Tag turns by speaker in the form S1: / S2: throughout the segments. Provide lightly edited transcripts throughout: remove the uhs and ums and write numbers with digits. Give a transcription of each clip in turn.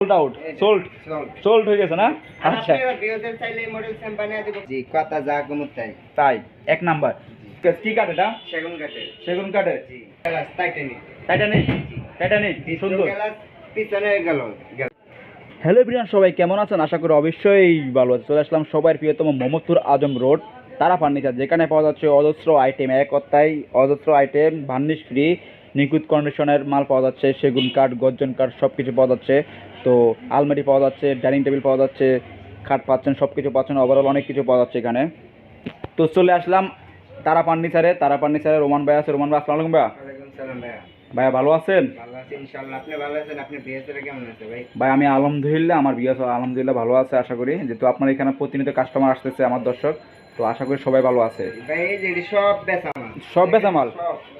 S1: Sold out, sold হয়ে গেছে না? আচ্ছা,
S2: আপনারা বিয়োদের চাইলে এই মডেল সেম বানিয়ে দিব। জি, কথা যা কমত তাই।
S1: তাই এক নাম্বার। কি কাঠ এটা?
S2: সেগুন কাঠের।
S1: সেগুন কাঠের।
S2: জি, গ্লাস টাইটানিক।
S1: টাইটানিক, টাইটানিক সুন্দর।
S2: গ্লাস পিছনে গেল।
S1: হ্যালো এভরিওয়ান, সবাই কেমন আছেন? আশা করি অবশ্যই ভালো আছে। চলে আসলাম সবার প্রিয়তম মোহাম্মদপুর আজম রোড তারা ফার্নিচার, যেখানে পাওয়া যাচ্ছে অজস্র আইটেম, এক কথায় অজস্র আইটেম, ভার্নিশ ফ্রি, নিখুঁত কন্ডিশনের মাল পাওয়া যাচ্ছে। সেগুন কাঠ, গর্জন কাঠ সব কিছু পাওয়া যাচ্ছে। তো আলমারি পাওয়া যাচ্ছে, ডাইনিং টেবিল পাওয়া যাচ্ছে, খাট পাচ্ছেন, সব কিছু পাচ্ছেন, ওভারঅল অনেক কিছু পাওয়া যাচ্ছে এখানে। তো চলে আসলাম তারা ফার্নিচারে রোমান ভাই আছে। রোমান ভাই, আসসালামু আলাইকুম ভাইয়া।
S2: ওয়ালাইকুম সালাম ভাইয়া।
S1: ভাইয়া ভালো আছেন?
S2: ভালো আছি ইনশাআল্লাহ। আপনি ভালো আছেন? আপনি বিয়েতে কেমন আছে ভাই?
S1: ভাই আমি আলহামদুলিল্লাহ, আমার বিয়ে আলহামদুলিল্লাহ ভালো আছে। আশা করি যেহেতু আপনার এখানে প্রতিনিয়ত কাস্টমার আসতেছে, আমার দর্শক, তো আশা করি সবাই ভালো আছে।
S2: ভাই এই যে এটি সব বেচা মাল।
S1: সব বেচা মাল?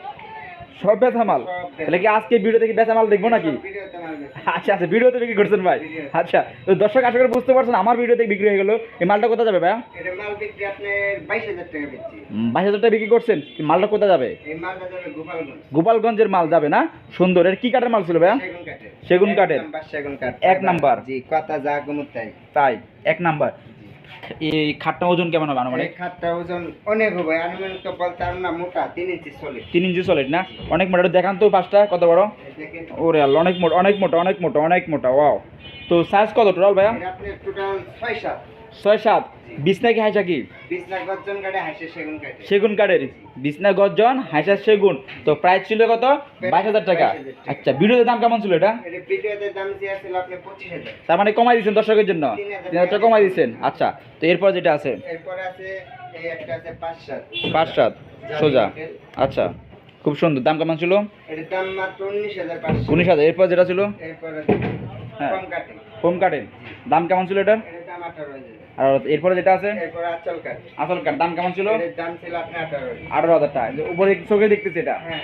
S1: সব বেচা মাল? তাহলে কি আজকে ভিডিওতে কি বেচা মাল দেখবো নাকি?
S2: ভিডিওতে মাল বেচা।
S1: আচ্ছা আচ্ছা, ভিডিওতে বিক্রি করছেন ভাই? আচ্ছা, তো দর্শক আশা করি বুঝতে পারছেন আমার ভিডিওতে বিক্রি হয়ে গেল। এই মালটা কোথায় যাবে ভাইয়া?
S2: এটা মাল বিক্রি আপনার 22,000 টাকা বেচছি।
S1: 22,000 টাকা বিক্রি করছেন? মালটা কোথায় যাবে?
S2: এই মালটা যাবে গোপালগঞ্জ।
S1: গোপালগঞ্জের মাল যাবে না? সুন্দর। এর কি কাঠের মাল ছিল ভাইয়া?
S2: সেগুন কাঠের।
S1: সেগুন কাঠের।
S2: সেগুন কাঠ।
S1: এক নাম্বার।
S2: জি, কথা যা কমত তাই।
S1: তাই এক নাম্বার। এই খাটটা ওজন কেমন হবে আনুমানিক?
S2: এই খাটটা ওজন অনেক হবে, আনুমানিক তো বলতে আর না, মোটা 3 ইঞ্চি সলিড।
S1: 3 ইঞ্চি সলিড না? অনেক মোটা। একটু দেখান তো পাঁচটা কত বড়।
S2: দেখেন
S1: ওরে আল্লাহ, অনেক মোটা, অনেক মোটা, অনেক মোটা, অনেক মোটা। ওয়াও। তো সাইজ কত টোটাল ভাইয়া?
S2: এটা আপনার টোটাল 6-7।
S1: 6-7। বিছনা কি হাইসা কি?
S2: 20 লাখ গর্জন কাঠে, হাইসে সেগুন কাঠে।
S1: সেগুন কাঠের বিছনা, গর্জন, হাইসা সেগুন। তো প্রাইস ছিল কত? 22,000 টাকা।
S2: 22,000 টাকা।
S1: আচ্ছা, ভিডিওতে দাম কেমন ছিল এটা?
S2: এটা ভিডিওতে দাম ছিল আপনার 25,000।
S1: তার মানে কমাই দিচ্ছেন দর্শকের জন্য?
S2: 3,000
S1: 3,000 টাকা কমাই দিচ্ছেন। আচ্ছা, তো এরপর যেটা আছে?
S2: এরপরে আছে এই একটা আছে 5-7।
S1: 5-7 সোজা। আচ্ছা, খুব সুন্দর। দাম কেমন ছিল?
S2: এর দাম মাত্র 19,500।
S1: 19,000। এরপর যেটা ছিল?
S2: এরপরে
S1: হ্যাঁ,
S2: কম কাটে।
S1: হোম কাঠের। দাম কেমন ছিল এটার?
S2: এর দাম 18,000।
S1: আর এরপরে যেটা আছে?
S2: এরপরে আঁচল কাঠ।
S1: আসল কাঠ। দাম কেমন ছিল?
S2: এর দাম ছিল আপনার 18,000।
S1: 18,000 টাকা। যে উপরে চোখে দেখতেছি এটা,
S2: হ্যাঁ,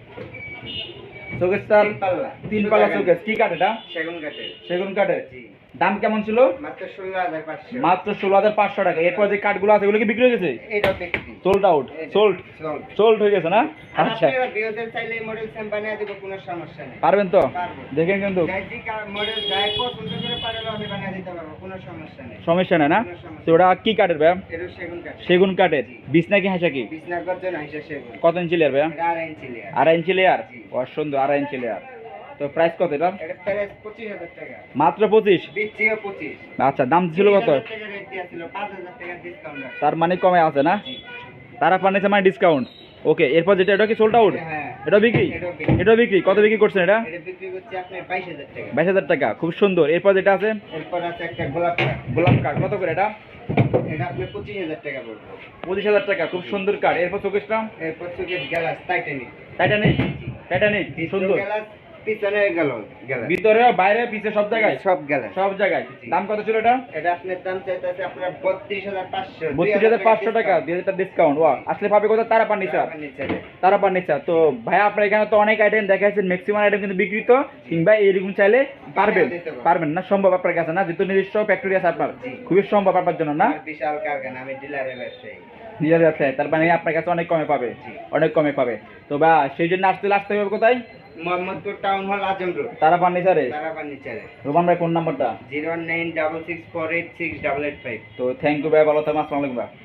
S1: শোকেসটা
S2: 3 পাল্লা।
S1: 3 পাল্লা শোকেস। কি কাঠ এটা?
S2: সেগুন কাঠের।
S1: সেগুন কাঠের।
S2: জি,
S1: দাম কেমন ছিল?
S2: মাত্র 16,500।
S1: মাত্র 16,500 টাকা। এরপর যে কাঠগুলো আছে এগুলো কি বিক্রি হয়ে গেছে?
S2: এটা বিক্রি।
S1: Sold out,
S2: sold.
S1: সোল্ড হয়ে গেছে না?
S2: আর
S1: আচ্ছা,
S2: আপনারা বিয়েদের চাইলে এই মডেল সেম বানিয়ে দিব, কোনো সমস্যা নেই।
S1: পারবেন তো?
S2: পারবো।
S1: দেখেন কিন্তু
S2: যাই যে মডেল যাই পছন্দ করে পারলে আমি বানিয়ে দিতে পারবো, কোনো সমস্যা নেই।
S1: সমস্যা নেই না?
S2: কোনো সমস্যা
S1: তো ওটা কি কাঠের ভাইয়া?
S2: এটা সেগুন কাঠ।
S1: সেগুন কাঠের। বিছনা কি হাসা কি?
S2: বিছনা গর্জন হাইসা সেগুন।
S1: কত ইঞ্চি লেয়ার ভাইয়া?
S2: এটা 2.5 ইঞ্চি লেয়ার।
S1: 2.5 ইঞ্চি লেয়ার।
S2: জি।
S1: সুন্দর, 2.5 ইঞ্চি লেয়ার। তো প্রাইস কত এটা?
S2: এটা প্রাইস 25,000 টাকা।
S1: মাত্র 25?
S2: বিচিও 25।
S1: আচ্ছা, দাম ছিল কত?
S2: 30,000 টাকা রেট দিয়া ছিল, 5,000 টাকা ডিসকাউন্ট আছে।
S1: তার মানে কমে আছে না?
S2: জি।
S1: তারা ফার্নিচার মানে ডিসকাউন্ট। ওকে, এরপর যেটা, এটা কি সোল্ড আউট?
S2: হ্যাঁ।
S1: এটা বিক্রি?
S2: এটাও বিক্রি।
S1: এটা বিক্রি। কত বিক্রি করছেন এটা?
S2: এটা বিক্রি করছে আপনার 22,000 টাকা।
S1: 22,000 টাকা। খুব সুন্দর। এরপর যেটা আছে?
S2: এরপর আছে একটা গোলাপ কাঠ।
S1: গোলাপ কাঠ। কত করে এটা?
S2: এটা আপনি 25,000 টাকা পড়বে।
S1: 25,000 টাকা। খুব সুন্দর কাঠ। এরপর চোখেসটা?
S2: এরপর থেকে গ্লাস টাইটানিক।
S1: টাইটানিক, টাইটানিক সুন্দর।
S2: গ্লাস পিছনে গেল গ্লাস।
S1: ভিতরে বাইরে পিছে সব জায়গায়?
S2: সব গ্লাস।
S1: সব জায়গায়। দাম কত ছিল এটা?
S2: এটা আপনার দাম চাইতেছে আপনার 32,500।
S1: 32,500 টাকা। 2,000 টাকা ডিসকাউন্ট। ওয়া, আসলে পাবে কোথায়? তারা ফার্নিচার। তারা ফার্নিচার। তো ভাই আপনার এখানে তো অনেক আইটেম দেখাচ্ছেন, ম্যাক্সিমাম আইটেম কিন্তু বিক্রিত, কিংবা এইরকম চাইলে পারবেন? পারবেন না? সম্ভব আপনার কাছে না, যেহেতু নিজস্ব ফ্যাক্টরি আছে আপনার, খুবই সম্ভব আপনার জন্য না?
S2: বিশাল কারখানা, আমি ডিলারের ব্যবসায়ী।
S1: নিজের ব্যবসায়, তার মানে আপনার কাছে অনেক কমে পাবে। অনেক কমে পাবে। তো বা সেই জন্য আসতে হবে কোথায়?
S2: মোহাম্মদপুর টাউন হল, আজম রোড,
S1: তারা ফার্নিচারে।
S2: তারা ফার্নিচারে।
S1: রোমান ভাই, ফোন নাম্বারটা?
S2: 09664868885।
S1: তো থ্যাংক ইউ ভাই, ভালো থাকবেন। আসসালামু আলাইকুম ভাই।